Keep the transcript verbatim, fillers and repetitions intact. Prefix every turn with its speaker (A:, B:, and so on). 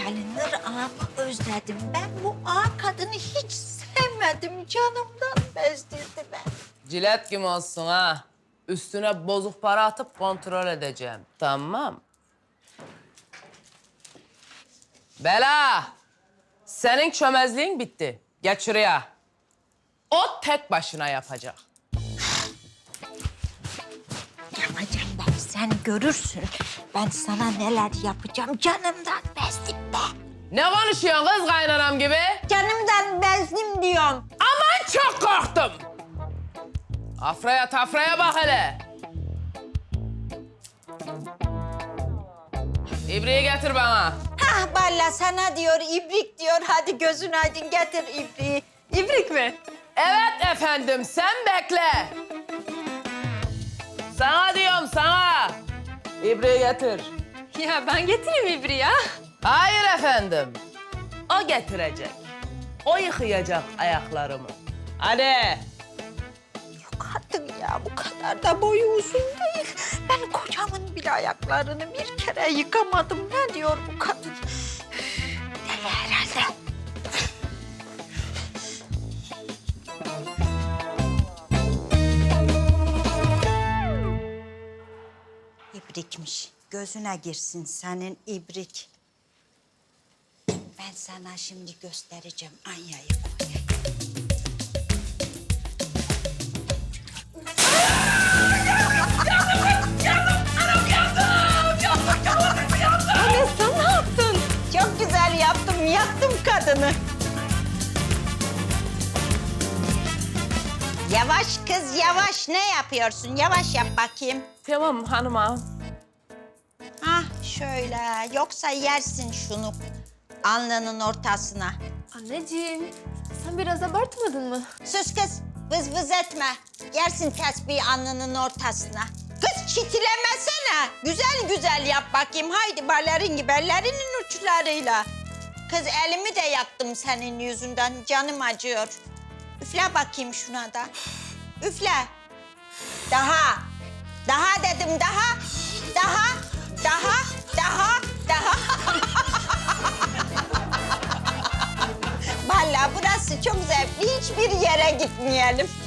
A: gelinir ağamı özledim. Ben bu ağa kadını hiç sevmedim. Canımdan bezdirdi ben.
B: Cilet gibi olsun ha. Üstüne bozuk para atıp kontrol edeceğim. Tamam. Bela! Senin çömezliğin bitti. Geç şuraya. O tek başına yapacak.
A: Yapacağım ben, sen görürsün. Ben sana neler yapacağım. Canımdan bezdim be.
B: Ne konuşuyorsun kız kaynanam gibi?
A: Canımdan bezdim diyorum.
B: Aman çok korktum. Afraya tafraya bak hele. İbriği getir bana.
A: Hah Balla sana diyor, ibrik diyor. Hadi gözün aydın getir ibriği. İbrik mi?
B: Evet efendim, sen bekle. Sana diyorum, sana. İbriği getir.
C: Ya ben getireyim İbri ya.
B: Hayır efendim. O getirecek. O yıkayacak ayaklarımı. Hadi.
A: Yok artık ya, bu kadar da boyu uzun değil. Ben kocamın bile ayaklarını bir kere yıkamadım. Ne diyor bu kadın? Üf, deli herhalde. İbrikmiş. Gözüne girsin senin ibrik. Ben sana şimdi göstereceğim. Anya'yı koyayım.
C: Anne sen ne yaptın?
A: Çok güzel yaptım. Yaktım kadını. Yavaş kız yavaş. Ne yapıyorsun? Yavaş yap bakayım.
B: Tamam hanıma.
A: Hah şöyle. Yoksa yersin şunu alnının ortasına.
C: Anneciğim sen biraz abartmadın mı?
A: Sus kız. Vız vız etme. Yersin tesbihi alnının ortasına. Kız çitilemesene. Güzel güzel yap bakayım. Haydi balerin gibi ellerinin uçlarıyla. Kız elimi de yaktım senin yüzünden. Canım acıyor. Üfle bakayım şuna da. Üfle. Daha. Daha dedim daha. Daha. Daha. Daha. Daha. Vallahi burası çok zevkli. Hiçbir yere gitmeyelim.